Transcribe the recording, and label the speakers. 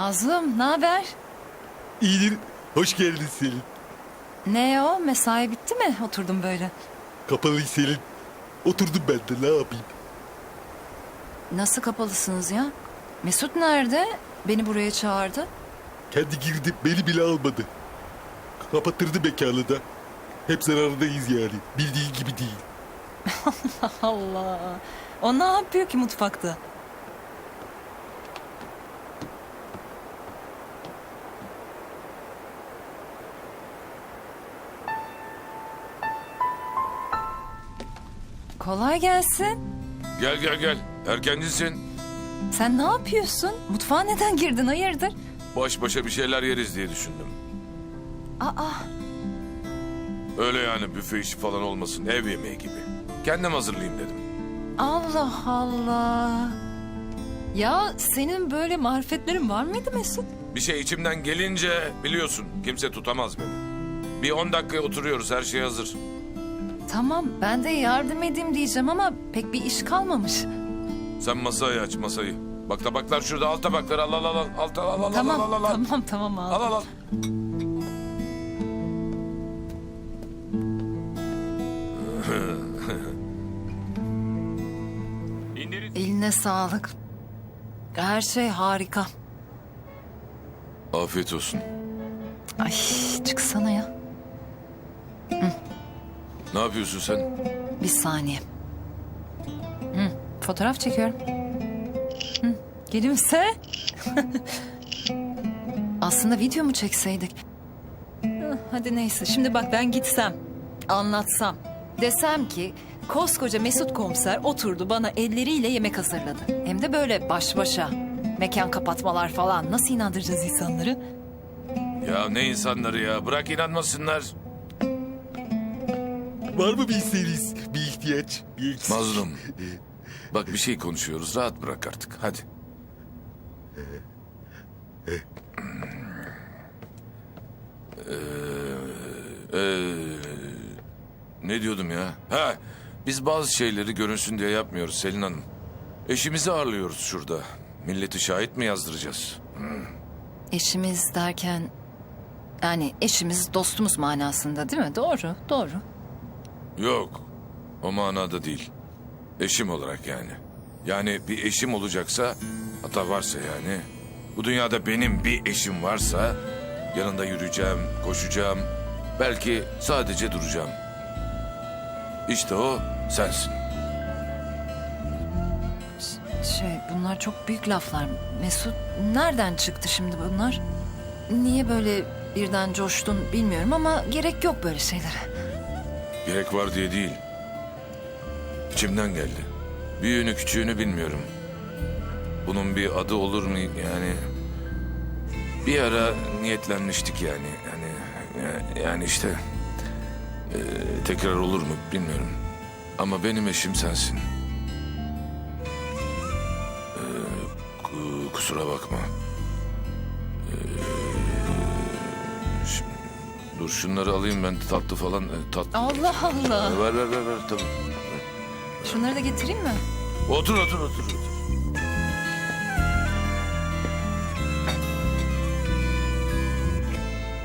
Speaker 1: Nazlım, ne haber?
Speaker 2: İyidir. Hoş geldin Selin.
Speaker 1: Ne o? Mesai bitti mi? Oturdum böyle.
Speaker 2: Kapalı Selin. Oturdum ben de, ne yapayım?
Speaker 1: Nasıl kapalısınız ya? Mesut nerede? Beni buraya çağırdı.
Speaker 2: Kendi girdi, beni bile almadı. Kapatırdı mekanı da. Hep zarardayız yani. Bildiğin gibi değil.
Speaker 1: Allah. O ne yapıyor ki mutfakta? Kolay gelsin.
Speaker 3: Gel gel gel. Erkencisin.
Speaker 1: Sen ne yapıyorsun? Mutfağa neden girdin? Hayırdır?
Speaker 3: Baş başa bir şeyler yeriz diye düşündüm.
Speaker 1: Aa,
Speaker 3: Öyle yani büfe işi falan olmasın. Ev yemeği gibi. Kendim hazırlayayım dedim.
Speaker 1: Allah Allah. Ya senin böyle marifetlerin var mıydı Mesut?
Speaker 3: Bir şey içimden gelince biliyorsun kimse tutamaz beni. Bir 10 dakikaya oturuyoruz, her şey hazır.
Speaker 1: Tamam, ben de yardım edeyim diyeceğim ama pek bir iş kalmamış.
Speaker 3: Sen masayı aç, masayı. Bak tabaklar şurada, al tabakları, al al al al. Al al
Speaker 1: Tamam,
Speaker 3: al al al.
Speaker 1: tamam abi.
Speaker 3: Al al al.
Speaker 1: Eline sağlık. Her şey harika.
Speaker 3: Afiyet olsun.
Speaker 1: Ay, çıksana ya.
Speaker 3: Ne yapıyorsun sen?
Speaker 1: Bir saniye. Fotoğraf çekiyorum. Gülümse. Aslında video mu çekseydik? Hadi neyse. Şimdi bak ben gitsem, anlatsam. Desem ki koskoca Mesut komiser oturdu bana elleriyle yemek hazırladı. Hem de böyle baş başa. Mekan kapatmalar falan. Nasıl inandıracağız insanları?
Speaker 3: Ya ne insanları ya, bırak inanmasınlar.
Speaker 2: Var mı bir isteğiniz? Bir ihtiyaç? Bir eksik?
Speaker 3: Mazlum. Bak bir şey konuşuyoruz, rahat bırak artık, hadi. Ne diyordum ya? Ha, biz bazı şeyleri görünsün diye yapmıyoruz Selin Hanım. Eşimizi ağırlıyoruz şurada. Milleti şahit mi yazdıracağız?
Speaker 1: Eşimiz derken... Yani eşimiz dostumuz manasında değil mi? Doğru, doğru.
Speaker 3: Yok, o manada değil. Eşim olarak yani. Yani bir eşim olacaksa, hatta varsa yani... Bu dünyada benim bir eşim varsa... Yanında yürüyeceğim, koşacağım... Belki sadece duracağım. İşte o sensin.
Speaker 1: Bunlar çok büyük laflar. Mesut, nereden çıktı şimdi bunlar? Niye böyle birden coştun bilmiyorum ama gerek yok böyle şeylere.
Speaker 3: Gerek var diye değil. İçimden geldi. Büyüğünü küçüğünü bilmiyorum. Bunun bir adı olur mu yani? Bir ara niyetlenmiştik yani. Yani işte... tekrar olur mu bilmiyorum. Ama benim eşim sensin. Kusura bakma. Dur şunları alayım ben, tatlı falan. Tatlı.
Speaker 1: Allah Allah.
Speaker 3: Ver tabii.
Speaker 1: Şunları da getireyim mi?
Speaker 3: Otur.